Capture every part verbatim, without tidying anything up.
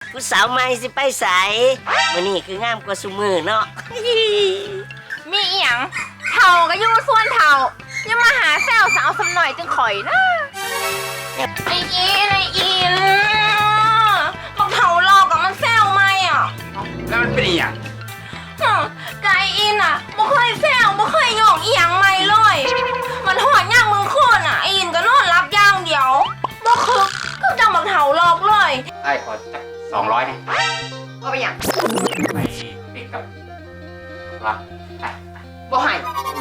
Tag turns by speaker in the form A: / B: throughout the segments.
A: ผู้สาวใหม่สิไปใสมื้อนี้คืองามกว่าซุมื้อเนาะ
B: มีอีหยังเท่าก็อยู่ส่วนเท่าอย่ามาหาแซวสาวสำหน่อยจังข่อยนะไอ้อีไอ้อีนบักเท่าหลอกกับมันแซวไหมอ่ะ
C: แล้วมันเป็นอีหยัง
B: ไก่อินอ่ะบ่เคยแซวบ่เคยหยอกอีหยังไม่เลยมันหอดย่างมึงโคนอ่ะไอ้อินก็นอนรับย่างเดียวบ่คึกก็จังบักเท่าหลอกเลย
C: ไอ้ขอจักสองร้อยนะ
B: เอาไปหยัง
C: ไปปิกกับรัก
B: บ่ให้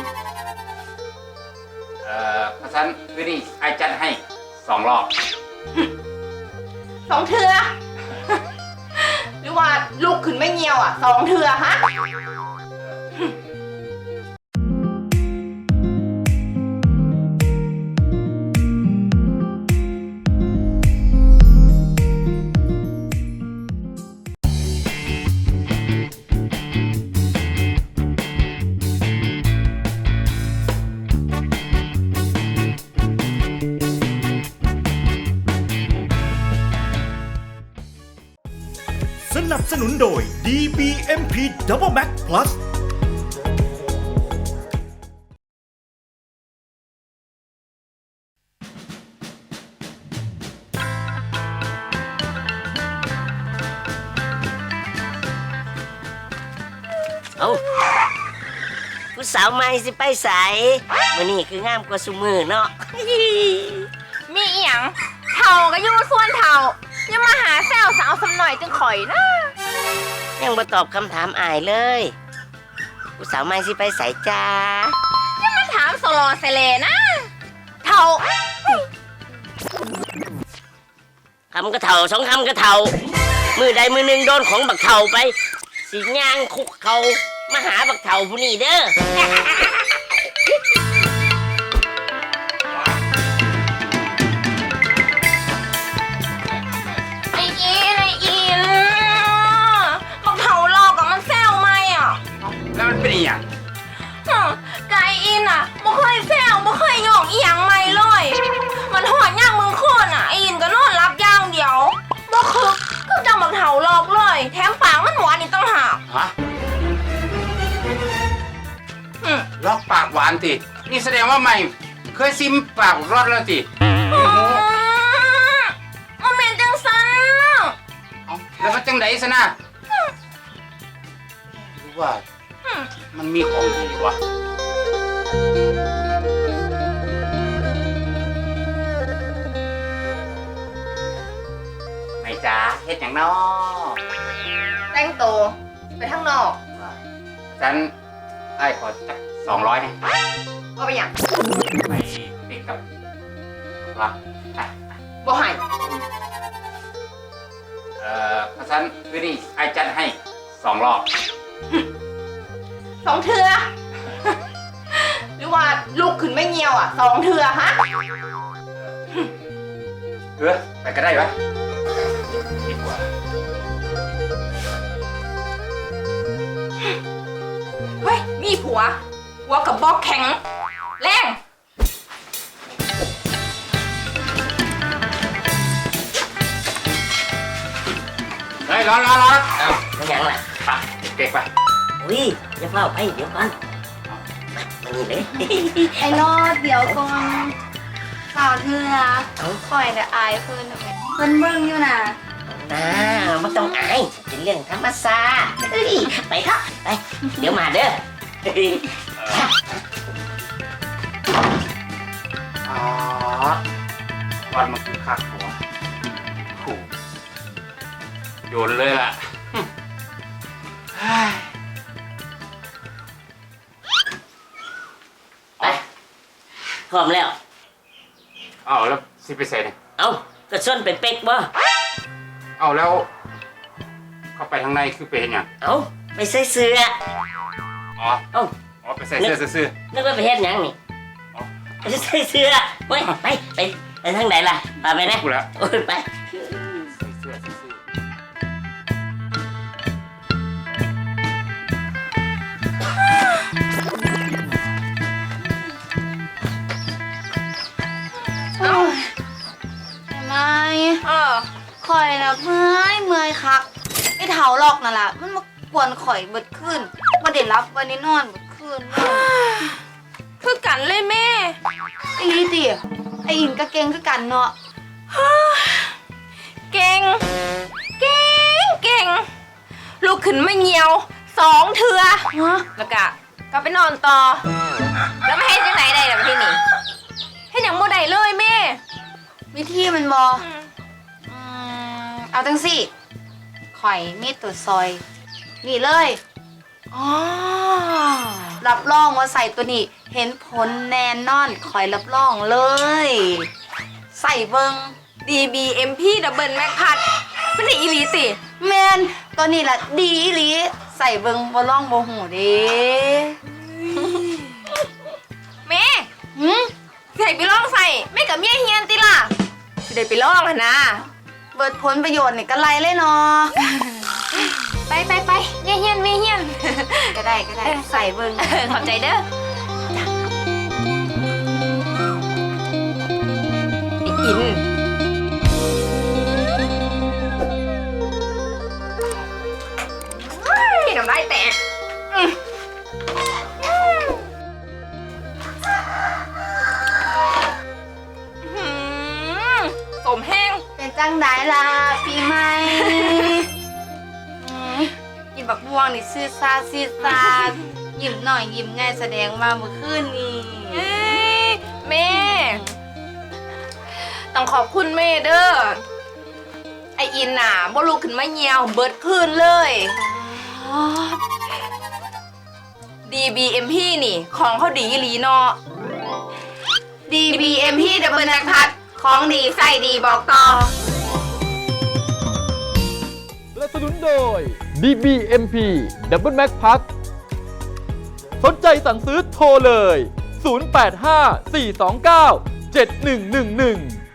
C: เอ่อเพราะฉะนั้นวินี่ไอ้จัดให้สองรอบ
B: สองเทือ หรือว่าลูกขึ้นไม่เงียวอ่ะสองเทือฮะ
D: สนับสนุนโดย ดี บี เอ็ม พี Double Max Plus
A: เอ้าผู้สาวใหม่สิไปใสมื้อนี้คืองามกว่าซุมื้อเนาะ
B: มีอีหยังเท่าก็อยู่ส่วนเท่าอย่ามาหาแซวสาวสำหน่อยจังข่อยนะ
A: ยังบ่ตอบคำถามอายเลย ผู้สาวใหม่สิไปใสจ้า
B: อย่ามาถามสลอเสเลนะเท่า
A: คำกระเท่าสองคำกระเท่ามือใดมือหนึ่งโดนของบักเท่าไปสิย่างคุกเขามาหาบักเท่าผู้นี้เด้อ
B: ไอ้อีไอ้อีนบักเท่าหลอกกับมันแซวไหมอ่ะ
C: แล้วมันเป็นอีหยัง
B: ไก่อินอ่ะบ่เคยแซวบ่เคยหยอกอีหยังไม่เลยมันหอดย่างมึงโคนอ่ะไอ้อินก็นอนรับย่างเดียวบ่คึกก็จังบักเท่าหลอกเลยแถมปากมันหวานอีกต่างหาก
C: ฮะ
B: อืม
C: ลอกปากหวานตินี่แสดงว่าใหม่เคยซิมปากรอดแล้วติ
B: มันเป็นจังสัน
C: เอ้าแล้วมันจังไดซะนะหรือว่ามันมีของดีวะไม่จ้าเฮ็ดหยังน้อ
B: แต่งตัวไปทางนอก
C: ฉันไอ้ขอจักสองร้อยนะ
B: เอาไปหยัง
C: ไปปิกกับรัก
B: บ่ให้
C: เอ่อเพราะฉะนั้นวินี่ไอ้จัดให้สองรอบ
B: สองเทือ หรือว่าลูกขึ้นไม่เงียวอ่ะสองเทือฮะ
C: เออไปก็ได้วะดีกว่า
B: เฮ้ยมีผัวผัวกับบอกแข็งแรง
C: เฮ้ยร้อนร้อนร้อน
A: เอ้าไม่หยังล่ะ
C: ไปเด็กๆไป
A: อุ้ยอย่าเฝ้าไปเดี๋ยวก่อนมามานี่เลย
E: ไอ้รอดเดี๋ยวก่อนข่าวเธอนะ
A: เอ้า
E: ปล่อยแต่อายเพิ่นทำไมเพิ่นเบิ่งอยู่น่ะ
A: อ่าไม่ต้องอายเป็นเรื่องธรรมชาติเฮ้ยไปเถอะไปเดี๋ยวมาเด้อ
C: อ๋อวันมันคือคักหัวขู่โยนเลยล่ะเฮ้ย
A: ไปพร้อมแล้ว
C: เอาแล้วสิไปใส่เนี่ย
A: เอ้าก็ส่วนไปเป็กบ่
C: เอาแล้ว เข้าไปข้างในคือไปเห็นยัง
A: เอ้าไปใส่เสื้อ
C: อ๋อ
A: เอ้า
C: อ๋อไปใส่เสื้อซื่อ
A: นึกว่าไปเฮ็ดหยังนี่
C: อ๋อ
A: ไปใส่เสื้อเว้ยไปไปไปทางไหนล่ะพาไปนะ
C: ๆกูแล้ว
A: โอ้ยไป
C: ใส่เสื้อซื่อ
E: โอ้ยไอ้ไม้
B: เออ
E: คอยนะแบบเมื่อยเมื่อยคักไอ้เถาหลอกนั่นแหละมันมากวนข่อยเบิดขึ้นมาเด็ดรับวันนี้นอนเบิดขึ้น
B: คือกันเลยแม่
E: ไอ้ลีติไอ้อินก็เก่งคือกันเนาะ
B: เก่ง เก่ง เก่ง ลูกขึ้นมาเหี่ยวสองเทือ
E: ฮะ
B: แล้วก็ก็ไปนอนต่อ แล้วไม่ให้จังไหนได้ล่ะพี่นี่ให้หยังบ่ได้เลยแม่
E: วิธีมันบออืมเอาจังสิข่อยมีตัวซอย นี่เลย
B: อ๋อ
E: รับรองว่าใส่ตัวนี้ เห็นผลแน่นอนข่อยรับรองเลย ใส่เบิง
B: ดี บี เอ็ม พี Double Mac พัดเป็นได้อีหลีติ
E: แมนตัวนี้แหละดีอีหลีใส่เบิงบ่ล่องบ่หูเด้
B: แม่
E: หืม
B: ใส่ไปลองใส่แม่กับเมียเฮียนติล่ะสิได้ไปลองหั่นนะ
E: เบิดผลประโยชน์นี่ก็ไรเลยเนาะ
B: ไปไปไปเมียเฮียนเมียเฮียน
E: ก็ได้ก็ได้ใส่เบิง
B: ขอบใจเด้อไอ้อินกินน้ำลายแตกอืมอื้อหือสมแห้ง
E: เป็นจังไดล่ะปีใหม่อืมกินบักม่วงนี่ซื่อซาซื่อซายิ้มหน่อยยิ้มง่ายแสดงมาเมื่อคืนนี้
B: เอ้ยแม่ ต้องขอบคุณแม่เด้อ ไออินน่ะบ่ลุกขึ้นมาเหี่ยวเบิดคืนเลย ดี บี เอ็ม พี นี่ ของเขาดีอีหลีเนาะ
E: ดี บี เอ็ม พี ดับเบิลแม็กพัดของดีใส่ดีบอกต่อ
F: สนับสนุนโดย ดี บี เอ็ม พี Double Mac Pack สนใจสั่งซื้อโทรเลย ศูนย์ แปด ห้า สี่ สอง เก้า เจ็ด หนึ่ง หนึ่ง หนึ่ง